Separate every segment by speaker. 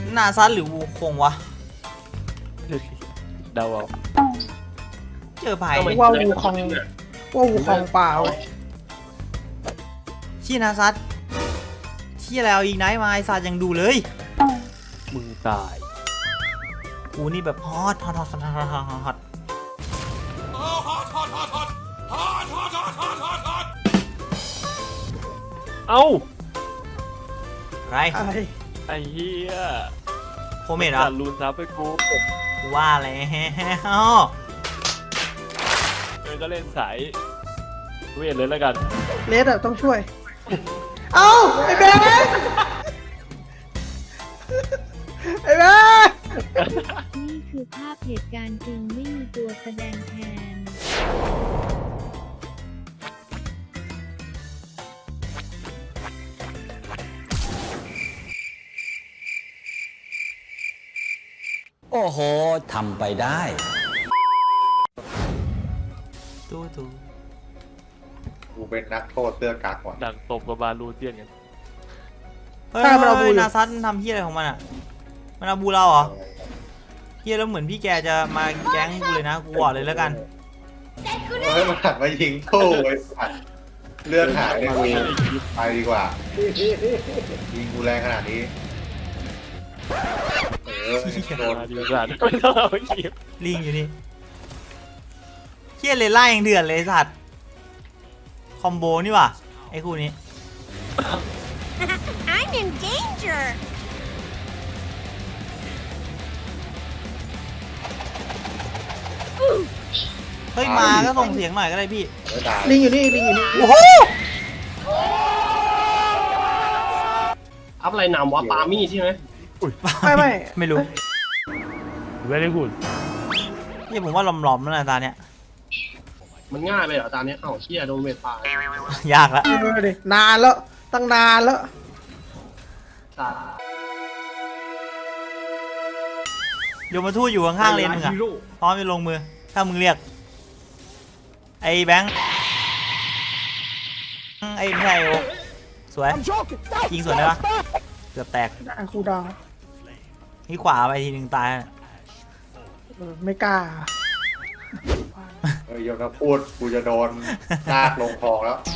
Speaker 1: นาซัดหรือวูคงวะ
Speaker 2: เดาเอา
Speaker 1: เจอไผ่
Speaker 3: ว่าวูคองเปล่า
Speaker 1: ชี้นาซัดชี้อะไรเอาอีกไนท์มาไอซัดยังดูเลย
Speaker 2: มึงตาย
Speaker 1: กูนี่แบบฮอต
Speaker 2: เอ้า
Speaker 1: ไร
Speaker 2: ไอ้เหี้ย
Speaker 1: โคเมดเหรอ
Speaker 2: ลูนซับไปกู
Speaker 1: ว่าแล้ว
Speaker 2: ก็เล่นสายเวทเลยแล้วกัน
Speaker 3: เลสอะต้องช่วยเอ้าไอ้เบน
Speaker 4: นี่คือภาพเหตุการณ์จริงไม่มีตัวแสดงแทน
Speaker 5: โอ้โหทำไปได้
Speaker 1: ตู้
Speaker 6: กูเป็นนักโทษเสื้อกั๊กว่ะ
Speaker 2: ดังตบกับบาลูเซียนกัน
Speaker 1: เฮ้ยนาซัดทำเฮี้ยอะไรของมันอ่ะมันเอาบูเราเหรอเฮี้ยแล้วเหมือนพี่แกจะมาแก๊งกูเลยนะกูบอกเลยแล้วกัน
Speaker 6: เฮ้ยมันหันมายิงตู้ไอ้สัตว์เลือดหายเลยกูไปดีกว่ายิงกูแรงขนาดนี้
Speaker 2: โดนดีสัตว์ไม่ต้องเอาไปขีบ
Speaker 1: ลิงอยู่นี่เฮี้ยเลยไล่ยังเดือดเลยสัตว์คอมโบนี่ว่ะไอ้คู่นี้
Speaker 4: I'm in danger
Speaker 1: เฮ้ยมาก็ส่งเสียงหน่อยก็ได้พี่
Speaker 3: ลิงอยู่นี่
Speaker 1: โอ้โห
Speaker 7: อัพอะไรนำวะปามี่ใช่ไหม
Speaker 3: ไม่รู้
Speaker 2: ไม่ได้พูด
Speaker 1: นี่ผมว่าหลอมๆแล้วนะตาเนี้ย
Speaker 7: มันง่ายไปเหรอตาเนี้ยเอ้าเชี่ยโดนเวทป่
Speaker 1: ยากละ
Speaker 3: นานแล้วตั้งนานแล้ว
Speaker 1: โยมมาทู่อยู่ข้างๆเลนมึงอะพร้อมจะลงมือถ้ามึงเรียกไอ้แบงค์ไอ้ไม่ใช่โอสวยยิงสวยเลยปะเกือบแตก
Speaker 3: คูดาว
Speaker 1: นี่ขวาไปทีหนึ่งตาย
Speaker 3: ไม่กล้า
Speaker 6: โยนพูดกูจะโดนลากลงคลองแล้ว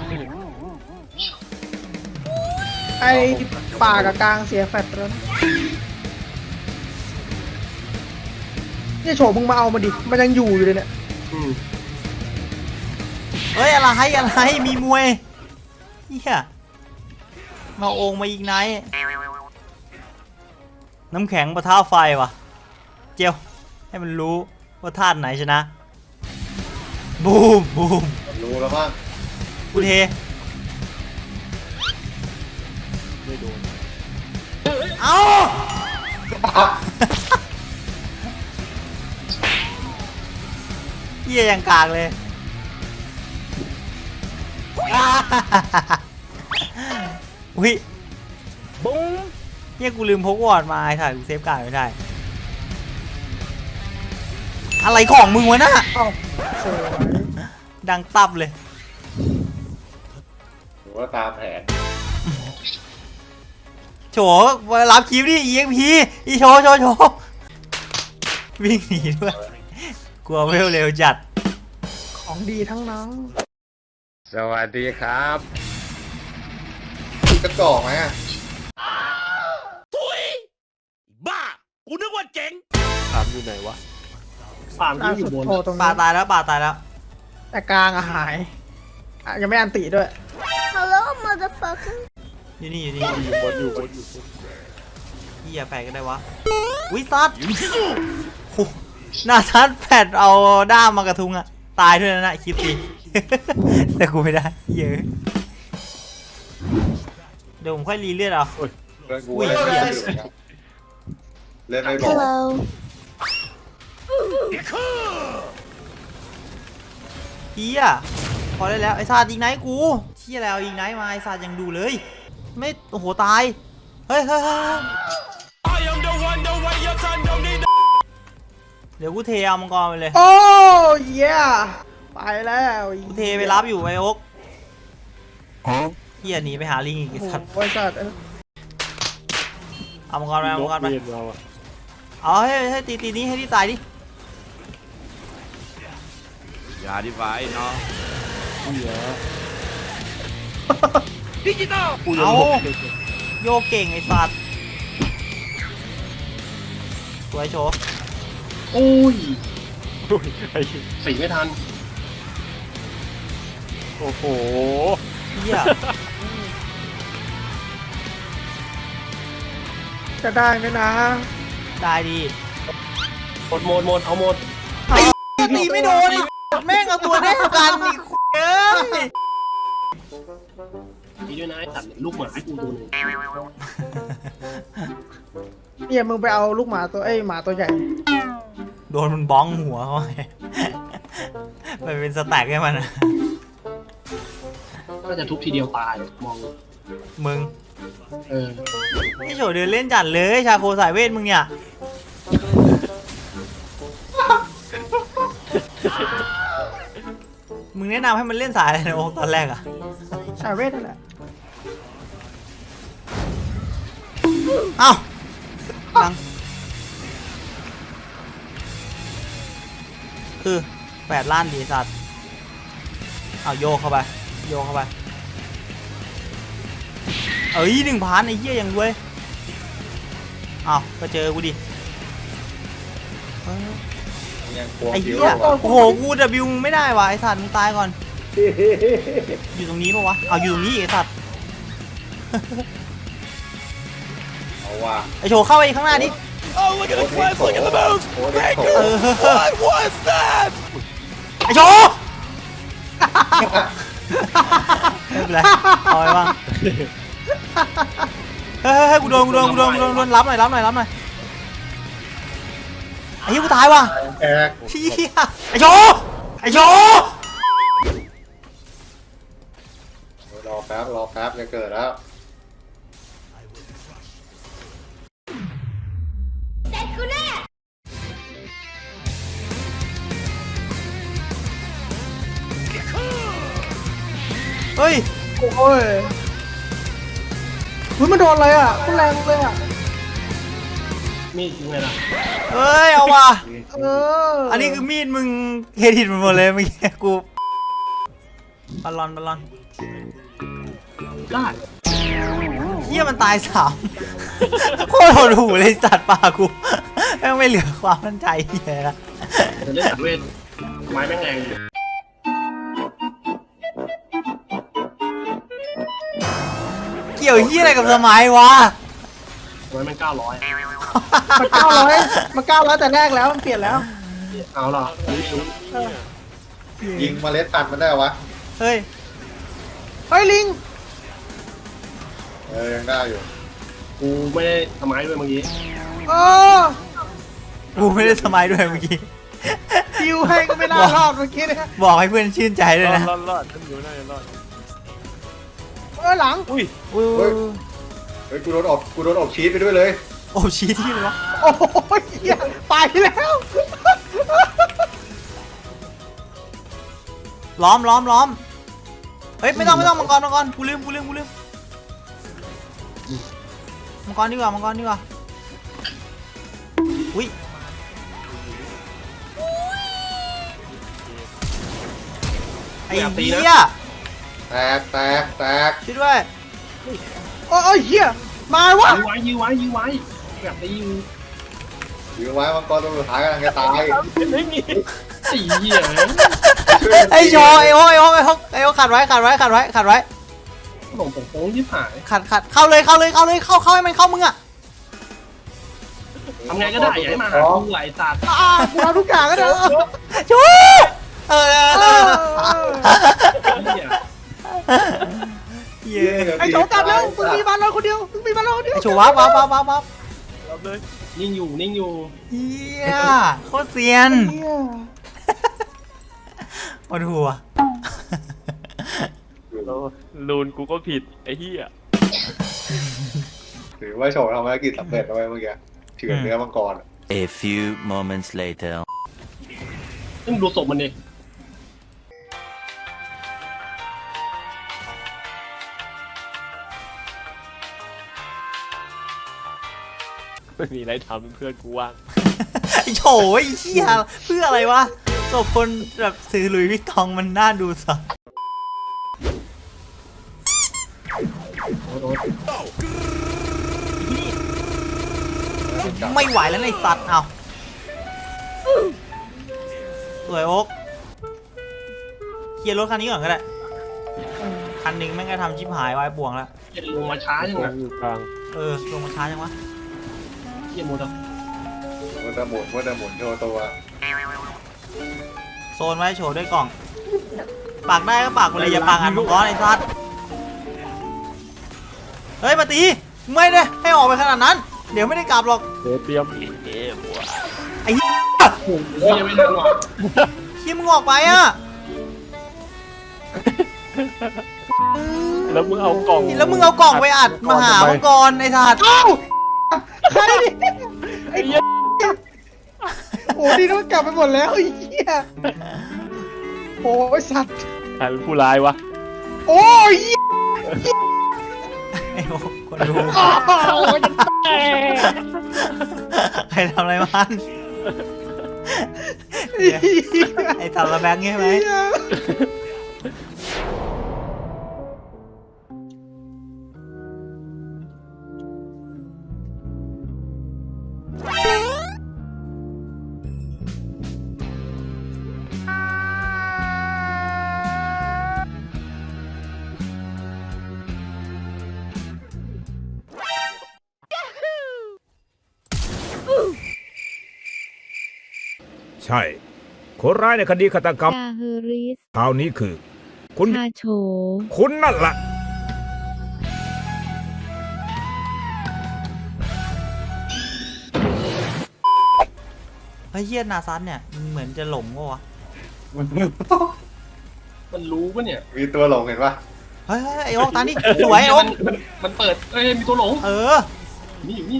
Speaker 3: ไอ้ป่ากับกลางเสียแฟตแล้วนี่โฉมมึงมาเอามาดิมันยังอยู่เลยเนี่ย
Speaker 1: เฮ้ยอะไรมีมวยเฮียมาโองมาอีกไนท์น้ำแข็งปะทะไฟว่ะเจียวให้มันรู้ว่าธาตุไหนชนะบูม
Speaker 6: รู้แล้วมั้ง
Speaker 1: กูเท
Speaker 2: ไม่โดน
Speaker 1: เอ้าเยี่ยยังกากเลยอุ้ยบุ้งเยี่ยกูลืมพกวอร์ดมาไอ้ถ่ายกูเซฟการ์ดไม่ได้อะไรของมึงวะน่ะดังตับเลย
Speaker 6: หรือว่าตามแผน
Speaker 1: โฉรับคลิปดิ EXP อีโชวิ่งหนีด้วยกลัวไม่เร็วจัด
Speaker 3: ของดีทั้งนั้น
Speaker 6: สวัสดีครับกระจอกไหมอ่ะ
Speaker 5: ทุยบ้ากูนึกว่าเจ๋ง
Speaker 2: ถามอยู่ไหนวะ
Speaker 7: ฟาร์มที่อยู่บน
Speaker 1: ป่าตายแล้ว
Speaker 3: แต่กลางหายยังไม่อันติด้วย
Speaker 4: Hello motherfucker
Speaker 1: อยู่นี่
Speaker 2: บนอยู่
Speaker 1: พี่อย่าแฝงกันได้วะวิซัดหน้าซัดแผดเอาด้ามมากระทุงอะตายด้วยนะคลิปสิแต่กูไม่ได้เยอะเดี๋ยวผมค่อยรีเลือดเอา
Speaker 6: อุ้ยเล่นไม่บอก
Speaker 1: เฮียพอได้แล้วไอ้ซาดยิงไนท์กูเฮียแล้วยิงไนท์มาไอ้ซาดยังดูเลยไม่โอ้โหตายเฮ้ยเดี๋ยวกูเทเอามังกรไปเลย
Speaker 3: โอ้ยไปแล้ว
Speaker 1: กูเทไปรับอยู่ไอ้โอ๊กเฮียหนีไปหาลิงอีกสัตว์
Speaker 3: บริษัท
Speaker 1: เอามังกรไปเอามังกรไป
Speaker 2: เมียนเราอะ
Speaker 1: เอาให้ตีนี้ให้ที่ตายดิ
Speaker 5: อย่าดีไว้เนาะ
Speaker 2: เหี้ย
Speaker 5: ดิจิตอล
Speaker 2: กูยังหลบเลย
Speaker 1: โยกเก่งไอ้สัตว์สวยโชว์
Speaker 7: โอ้ย
Speaker 2: โอ้ยไอ้
Speaker 7: สีไม่ทัน
Speaker 2: โอ้โห
Speaker 1: เหี้ย
Speaker 3: จะได้ไหมนะ
Speaker 1: ได้ดี
Speaker 7: หมดเอาหมด
Speaker 1: ตีไม่โดนไอ้แม่งเอาตัวได้กันอีกเอ้ย
Speaker 7: มีด้วยนะไอ้สัตว์ลูกหมาให้กูตัวหนึง
Speaker 3: เนี่ยมึงไปเอาลูกหมาตัวหมาตัวใหญ่
Speaker 1: โดนมันบ้องหัวเขาไงมันเป็นสแต็กให้มันอะ
Speaker 7: น่าจะทุบทีเดียวตายมอง
Speaker 1: มึง
Speaker 7: เออ
Speaker 1: ไอ้โฉเดินเล่นจัดเลยชาโคสายเวทมึงเนี่ยมึงแนะนำให้มันเล่นสายอะไรนะโอ๊คตอนแรกอะ
Speaker 3: สายเวทนั่นแหละ
Speaker 1: เอ้าดังคือ8 ล้านดีสัตว์เอาโยกเข้าไปโยกเข้าไปเอ้ย1,000ไอ้เหี้ยยังรวยเอาก็เจอกูดิ
Speaker 6: ยังควง
Speaker 1: ไอ้
Speaker 6: ผิว
Speaker 1: เหี้ย
Speaker 6: ว่ะ
Speaker 1: โอ้โหกูWมึงไม่ได้ว่ะไอ้สัตว์มึงตายก่อนอยู่ตรงนี้ปะวะเอาอยู่ตรงนี้อีกไอ้สัตว์
Speaker 6: เอาว่ะ
Speaker 1: ไอ้โชว์เข้าไปข้างหน้าดิ
Speaker 5: โอ้ look at the flash look at the moves
Speaker 6: โอ้เด็กโถ
Speaker 1: เออ
Speaker 5: what was that
Speaker 1: ไอ้โชว์ไม่เป็นไรเอาไปบ้างเฮ้ยกูโดนรับหน่อยไอ้เหี้ยกูตายว่ะ
Speaker 6: แอก
Speaker 1: เหี้ยไอ้โชว์
Speaker 6: รอแป๊บจะเกิดแล้ว
Speaker 1: เฮ้ย
Speaker 3: โอ้ยเฮ้ยมันโดนอะไรอ่ะมันแรงเลยอ่ะ
Speaker 7: มีดยังไงล่ะ
Speaker 1: เฮ้ยเอาว่ะ
Speaker 3: เออ
Speaker 1: อันนี้คือมีดมึงเฮดิตมันหมดเลยเมื่อกี้กูบอลลอน
Speaker 7: ได้
Speaker 1: เฮียมันตาย3 โคตรโหดหูเลยสัตว์ป่ากูแม่งไม่เหลือความมั่นใจเฮียละ
Speaker 7: จะเล่นสัตว์เวทไม้แม่งแรง
Speaker 1: เกี่ยวเฮียอะไรกับสมัยวะ
Speaker 7: ไม้แม่ง900
Speaker 3: มัน900แต่แรกแล้วมันเปลี่ยนแล้ว
Speaker 7: เอาล่ะ
Speaker 6: ยิงเมล็ดพันธุ์มันได้วะ
Speaker 1: เฮ้ย
Speaker 3: เฮ้ยลิง
Speaker 6: ยังได้อยู่
Speaker 7: กูไม่ได้ทำไม้ด้วยเมื่อกี้
Speaker 3: เออ
Speaker 1: กูไม่ได้สมัยด้วยเมื่อกี้
Speaker 3: ดิวให้ก็ไม่น่ารอดเมื่อกี้เนี่ย
Speaker 1: บอกให้เพื่อนชื่นใจด้วยนะ
Speaker 2: รอดฉันอยู่น่าจะรอด
Speaker 3: หลัง
Speaker 2: อุ้ย
Speaker 1: อุ้ย
Speaker 6: เฮ้ยกูโดนอบชีสไปด้วยเลย
Speaker 1: โอ้ชี้ที่เลยวะ
Speaker 3: โอ้ยเหี้ยไปแล้ว
Speaker 1: ล้อมเฮ้ยไม่ต้องมังกรกูลืมมังกรดีกว่าอุ้ยไอ้เหี้ย
Speaker 6: แตก
Speaker 1: ช่วยด้วย
Speaker 3: โอ้ยเหี้ยมาวะ
Speaker 7: ยื้อไว้แบบตีอยู่
Speaker 6: อยู่ไว้มังกรตัวสุดท้ายกำลังจะตาย
Speaker 2: ไม่มี
Speaker 7: ไอ้เหี้ย
Speaker 1: ไอ้โชว์ไอ้โอ๊คขัดไว้
Speaker 7: ขนมโป้งที่ผ่าน
Speaker 1: ขัดเข้าเลยเข้าให้มันเข้ามึงอะ
Speaker 7: ทำไงก็ได้อย่าให้มาหากูไหลสัตว์
Speaker 3: กูเอาทุกอย่างก็เด้อ
Speaker 1: ชูเออ
Speaker 7: เหี้ย
Speaker 1: เย้
Speaker 3: ไอ้โฉกลับแล้วมึงมีบ้านเราคนเดียว
Speaker 1: ไอ้โชว์วับ
Speaker 2: รับเลย
Speaker 7: นิ่งอยู่
Speaker 1: เฮียโคตรเซียน
Speaker 3: เหี้ย
Speaker 1: ปวดหัว
Speaker 2: ลูนกูก็ผิดไอ้เหี้ย
Speaker 6: ถือว่าโชว์ทำภารกิจสำเร็จแล้วเมื่อกี้เฉือนเนื้อมังกร
Speaker 5: A few moments later
Speaker 7: ซึ่งดูศพมันดิ
Speaker 2: ไม่มีอะไรทำเพื่อนกูว่าง
Speaker 1: ไอ้โฉไอ้เหี้ยเพื่ออะไรวะศพคนแบบซื้อหลุยส์วิตตองมันน่าดูสัส
Speaker 7: โดน
Speaker 1: ไม่ไหวแล้วไอ้สัตว์เอาสวยโอ๊กเคลียร์รถคันนี้ก่อนก็ได้คันหนึ่งแม่งก็ทำชิบหายวายป่วงแล้ว
Speaker 7: เหี้ยลงมาช้าจัง
Speaker 2: วา
Speaker 7: อะ
Speaker 2: งอยู่กลาง
Speaker 1: ลงมาช้าจังวะ
Speaker 7: เหี้ยโมดอะ
Speaker 6: มันจะหมุนโชว์ตัว
Speaker 1: โซนไว้โฉด้วยกล่องปากได้ก็ปากกูเลยอย่าปากอันมังกรไอ้สัตว์เฮ้ยมาตีไม่ได้ให้ออกไปขนาดนั้น เดี๋ยวไม่ได้กลับหรอก
Speaker 2: เตรียม
Speaker 1: ไอ้เหี้ย
Speaker 7: เฮ้ยยังไม่ทันหรอก
Speaker 1: ขี้มึงออกไปอ่ะ
Speaker 2: แล้วมึงเอากล่อง
Speaker 1: แล้วมึงเอากล่องไปอัดมาหามังกรไอ้สัตว์
Speaker 3: เอ้าใครดิ
Speaker 2: ไอ้เหี้ย
Speaker 3: โอ้ดีนะมันกลับไปหมดแล้วไอ้เหี้ยโอ้ยสัตว์
Speaker 2: ใครเป็นผู้ร้ายวะ
Speaker 3: โอ้ย
Speaker 1: ไอ้โอ้คนดู
Speaker 3: โอ้ยจะแตก
Speaker 1: ใครทำอะไรมันไอ้ตัดระแบงใช่ไหม
Speaker 8: ใช่ คนร้ายในคดีฆาตกรรม
Speaker 4: กาเฮริส
Speaker 8: คราวนี้คือ คุณ
Speaker 4: คาโฉ
Speaker 8: คุณนั่นล่ะ
Speaker 1: เฮ้ยเฮียนาซันเนี่ยเหมือนจะหลงวะวะ
Speaker 7: มันรู้ปะเนี่ย
Speaker 6: มีตัวหลงเห็นปะ
Speaker 1: เฮ้ยไอ้โอ๊กตานี่สวยไอ้โอ๊ก
Speaker 7: มันเปิดเอ้ยมีตัวหลง
Speaker 1: เออ
Speaker 7: นี่อยู่นี่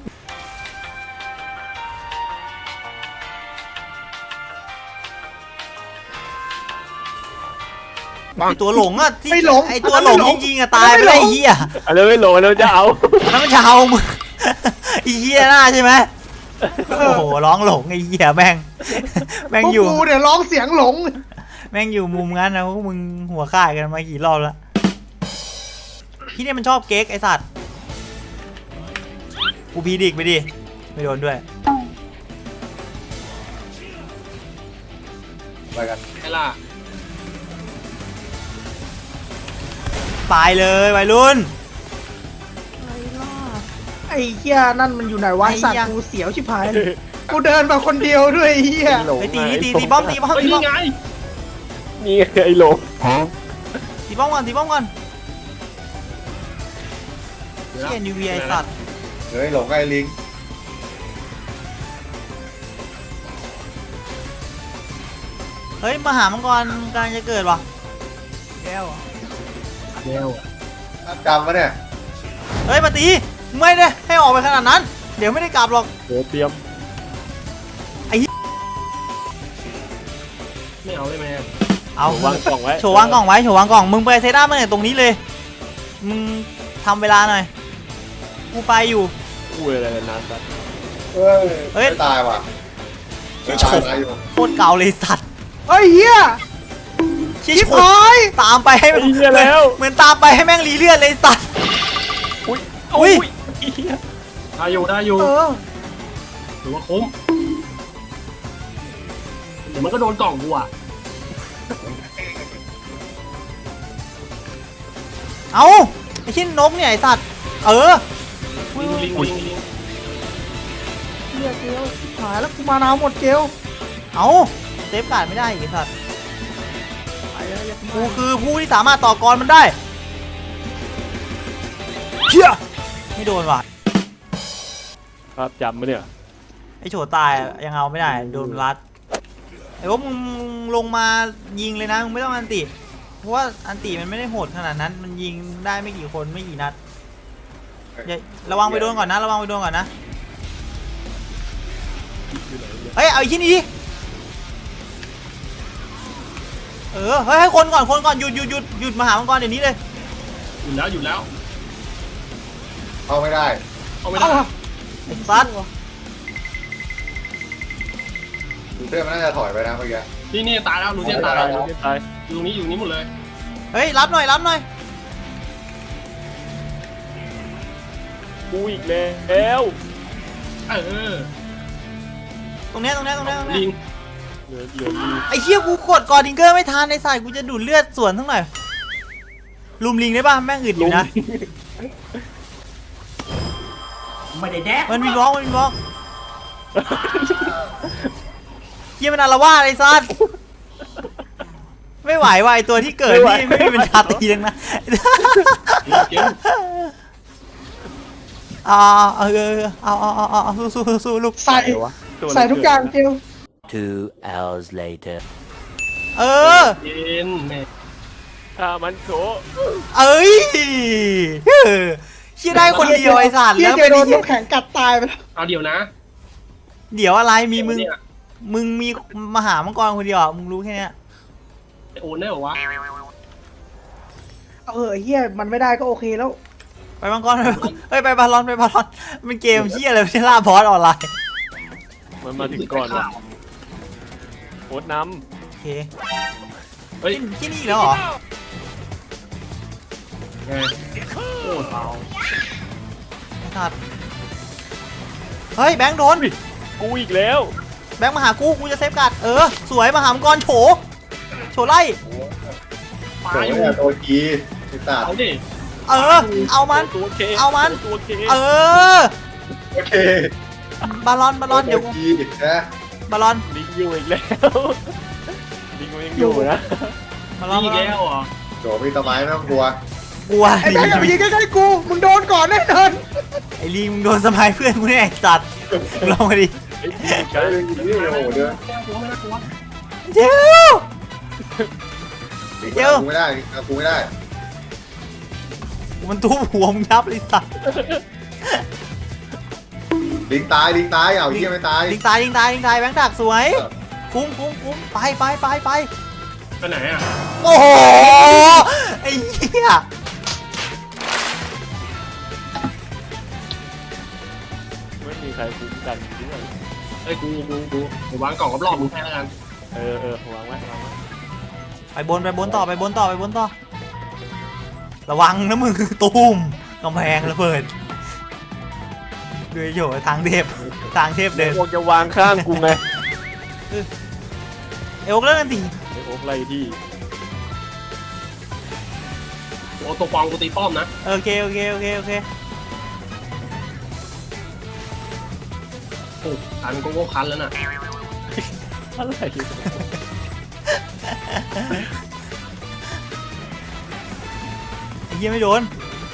Speaker 1: ไอตัวหลงอะที่
Speaker 3: ไม่หลง
Speaker 1: ไอตัวหลงจริงๆอะตายไปแล้วไอ้เหี้ย
Speaker 2: อะไรไม่โหลแล้วจะเอา
Speaker 1: แล้วมันจะเอามึงไอ้เหี้ยหน้าใช่ไหมโอ้โหร้องหลงไอ้เหี้ยแม่ง แม่ง
Speaker 3: พวก
Speaker 1: อยู่
Speaker 3: กูเนี่ยร้องเสียงหลง
Speaker 1: แม่งอยู่มุมงั้นนะพวกมึงหัวข่ายกันมากี่รอบแล้วพี่เนี่ยมันชอบเก๊กไอสัตว์กูพีดิกไปดิไม่โดนด้วย
Speaker 6: ไปกัน
Speaker 7: ไอ้ล่ะ
Speaker 1: ตายเลยวัยรุ่น
Speaker 3: ไอ้เหี้ยนั่นมันอยู่ไหนวะ
Speaker 1: ไอ้
Speaker 3: สัตว์
Speaker 1: เหี้ย
Speaker 3: กูเสียวชิบหายเลยกูเดินมาคนเดียวด้วยไอ้เหี้ย
Speaker 1: ไปตีป้อมตีป้อม
Speaker 7: เฮ้ย
Speaker 1: ตีป้อ
Speaker 7: นี่
Speaker 1: ม
Speaker 7: ไง
Speaker 2: นี่ไงไอ้โหล
Speaker 1: ตีป้อมก่อนตีป้อมก่อนเชี่ยนิวเวียไอสัตว์
Speaker 6: เฮ้ยหลงไอ้ลิง
Speaker 1: เฮ้ยมาหามังกรกำลังจะเกิดวะแก้วเหรอ
Speaker 7: แก้ว
Speaker 6: จำปะเนี่ย
Speaker 1: เฮ้ยมาตีไม่ได้ให้ออกไปขนาดนั้น เดี๋ยวไม่ได้กลับหรอก
Speaker 2: เตรียม
Speaker 7: ไม่เอาได้ไหม
Speaker 1: เอา
Speaker 2: วางกล่องไว้
Speaker 1: โชว์วางกล่องไว้โชว์วางกล่องมึงไปเซตอัพมาเนี่ยตรงนี้เลยมึงทำเวลาหน่อยกูไปอยู่
Speaker 2: อุ้ยอะไรนานสัตว์
Speaker 6: เฮ้ย
Speaker 1: เฮ้ย
Speaker 6: ไม่ตายว่ะ
Speaker 1: ชิ
Speaker 6: ไม่
Speaker 1: โฉ
Speaker 6: ตายอยู่
Speaker 1: โคตรเก่าเลยสัตว์
Speaker 3: เฮ้ยเหี้ย
Speaker 1: ชิ
Speaker 3: ชิบ
Speaker 1: โฉ
Speaker 3: หาย
Speaker 1: ตามไปให้
Speaker 2: ไอ้เหี้ยแล้ว
Speaker 1: เหมือนตามไปให้แม่งรีเลือดเลยสัตว์
Speaker 2: อุ้ย
Speaker 1: อุ้ย
Speaker 2: ไอ้เหี้ย
Speaker 7: ได้อยู่ได้อยู่
Speaker 3: เออ
Speaker 7: ถือว่าคุ้มเดี๋ยวมันก็โดนกล่องกูอ่ะ
Speaker 1: เอาไอ้ชิ้นนกเนี่ยไอสัตว์เออ
Speaker 7: ลิงลิงลิงลิง
Speaker 3: เหี้ยเกลชิบหายแล้วกูมานาวหมดเกล
Speaker 1: เอาเซฟการ์ดไม่ได้อีกไอ้สัตว์
Speaker 3: ไปแล้วอย่า
Speaker 1: กูคือผู้ที่สามารถต่อกรมันได้เชี่ยไม่โดนว่ะ
Speaker 2: ครับจำมาเนี่ย
Speaker 1: ไอโฉตายยังเอาไม่ได้โดนรัดไอ้พวกมึงลงมายิงเลยนะมึงไม่ต้องอันติเพราะว่าอันติมันไม่ได้โหดขนาดนั้นมันยิงได้ไม่กี่คนไม่กี่นัดอย่าระวังไปโดนก่อนนะระวังไปโดนก่อนนะเฮ้ยเอาอีกที่นี้ดิเออเฮ้ยให้คนก่อนหยุดมาหามังกรเดี๋ยวนี้เลย
Speaker 7: หยุดแล้ว
Speaker 6: เข้าไม่ได้
Speaker 7: เอาไม่
Speaker 3: เอา
Speaker 7: ได้
Speaker 3: วะ
Speaker 1: ไอ้ซัด
Speaker 6: ดูเพื่อนมันน่าจะถอยไปนะเมื่อกี้
Speaker 7: นี่ตายแล้วลูเซียนตายแล้ว
Speaker 2: ตาย
Speaker 7: อยู่ตรงนี้หมดเลย
Speaker 1: เฮ้ยรับหน่อยรับหน่อย
Speaker 2: กูอีกแล้ว
Speaker 7: เออ
Speaker 1: ตรงเนี้ย
Speaker 7: ลิง
Speaker 2: เหลือมี
Speaker 1: ไอ้เหี้ยกูกดกอร์ดิงเกอร์ไม่ทันในสายกูจะดูดเลือดสวนทั้งหน่อยลุมลิงได้ป่ะแม่งอึดอยู่นะไม่ได้แดกมันมีบล็อกเหี้ยมันอาละวาดไอ้ซัดไม่ไหวว่ะไอ้ตัวที่เกิดนี่ไม่มีเป็นชาตีทั้งนั้น
Speaker 7: เกม
Speaker 1: เอาสู้ลูก
Speaker 3: ใส่ใส่ทุกอย่างเกล
Speaker 5: 2 hours later
Speaker 1: เออ
Speaker 7: เย็นแม่
Speaker 2: ถ้ามันโถ
Speaker 1: เอ้ยชี้ได้คนเดียวไอ้สัตว์
Speaker 3: เฮีย
Speaker 1: แล้ว
Speaker 3: เจ
Speaker 1: เป็น
Speaker 3: โดนน้ำแข็งกัดตายไปแล้ว
Speaker 7: เอาเดี๋ยวนะ
Speaker 1: เดี๋ยวอะไรมีมึง
Speaker 7: เนี่ย
Speaker 1: มึงมีมหามังกรคนเดียวมึงรู้แค่เนี้ย
Speaker 7: โอนได้เหรอวะ
Speaker 3: เอาเฮียมันไม่ได้ก็โอเคแล้ว
Speaker 1: ไปมังกรไปบาลอนมันเกมเฮียอะไรไม่ใช่ล่าบอสออนไลน์
Speaker 2: มันมาถึงก่อนว่ะโคตรน้
Speaker 1: โอเค
Speaker 7: เฮ้ย
Speaker 1: ที่นี่อีกแล้วเหรอ
Speaker 7: ไงโอ้เท้า
Speaker 1: ไอ้สัตว์เฮ้ยแบงค์โดน
Speaker 2: ำกูอีกแล้ว
Speaker 1: แบงค์มาหากูจะเซฟการ์ดสวยมหามังกรโฉไล่
Speaker 7: ปลาอยู่
Speaker 6: เนี่ยตัวกีไอ้สัตว์
Speaker 7: เอาดิ
Speaker 1: เอามัน
Speaker 2: ตัวเค
Speaker 1: เอามัน
Speaker 2: ตัวเค
Speaker 6: โอเค
Speaker 1: บาลอนเดี๋ยว
Speaker 6: ตัวกีนะ
Speaker 1: บาลอน
Speaker 2: ลิงอยู่อีกแล้วลิงยังอยู่นะ
Speaker 1: บาลอน
Speaker 7: นี่แก้วเหรอ
Speaker 6: โดมีต้นไม้ไม่ต้องกลัว
Speaker 1: กลัว
Speaker 3: ไอ้แบงค์อย่าไปยิงใกล้ๆกูมึงโดนก่อนแน่นอน
Speaker 1: ไอ้ลิงมึงโดนสมัยเพื่อนกูแน่ไอ้สัตว์ลองมาดิ
Speaker 2: ไอ้ลิงกั
Speaker 6: เฮ้
Speaker 2: น
Speaker 6: ยนี่โอ้โหเดิน
Speaker 7: แก้วกูไม่น่ากลัว
Speaker 1: เจ้า เดี๋ยว
Speaker 6: กูไม่ได้กูไม่ได้
Speaker 1: มันทุบหัวมึงยับเลยสัตว์
Speaker 6: ลิงตายเอาเหี้ยไม่ตาย
Speaker 1: ลิงตายแบงค์ดักสวยคุ้มไป
Speaker 7: ไปไหนอ่ะ
Speaker 1: โอ้โหไอ้เหี้ย
Speaker 2: ไม่มีใครคุ้มกันด้วย
Speaker 7: เฮ้ยกูวางกล่องรอบๆมึงแค่แล้วกัน
Speaker 2: วางไว้
Speaker 1: ไปบนต่อระวังนะมึงตูมกำแพงระเบิดด้วยโยทางเทพเดิน
Speaker 2: พวกจะวางข้างกูไง
Speaker 1: เอวเลิกกันที
Speaker 2: ไอ้โอ๊กไล่ที่
Speaker 7: โอ้ตัวปองกูตีป้อมนะ
Speaker 1: โอเค
Speaker 7: โอ้ตายมันก็โง่คันแล้วน่ะ
Speaker 2: อะไร
Speaker 1: ไอ้เหี้ยไม่โดน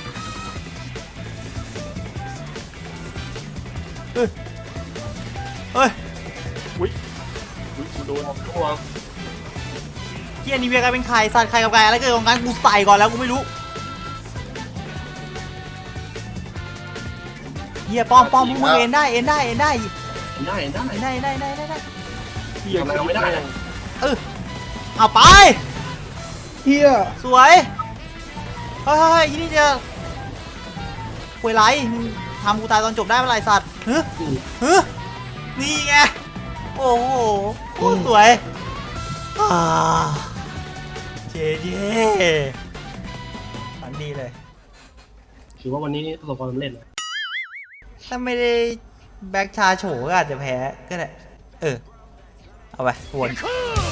Speaker 1: เฮ้ย
Speaker 2: อุ้ยกูโดน
Speaker 7: ตัว
Speaker 1: เหี้ยนี่เวียกลายเป็นไข่สัตว์ไข่กับไก่อะไรเกิดของกันกูใส่ก่อนแล้วกูไม่รู้เหี้ยป้อมมึงเอ็นได้
Speaker 7: ได้
Speaker 1: เหี้ย
Speaker 7: ทำไมเราไม่ได้อะ
Speaker 1: เอาไป
Speaker 3: เฮีย
Speaker 1: สวยเฮ้ยที่นี่จะคุยไรมึงทำกูตายตอนจบได้เมื่อไหร่สัตว์ฮึนี่ไงโอ้โหโคตรสวยเจ๊ฝันดีเลย
Speaker 7: ถือว่าวันนี้ประสบความสำเร็จนะ
Speaker 1: ถ้าไม่ได้แบ็คชาโฉก็อาจจะแพ้ก็ได้เอาไปวน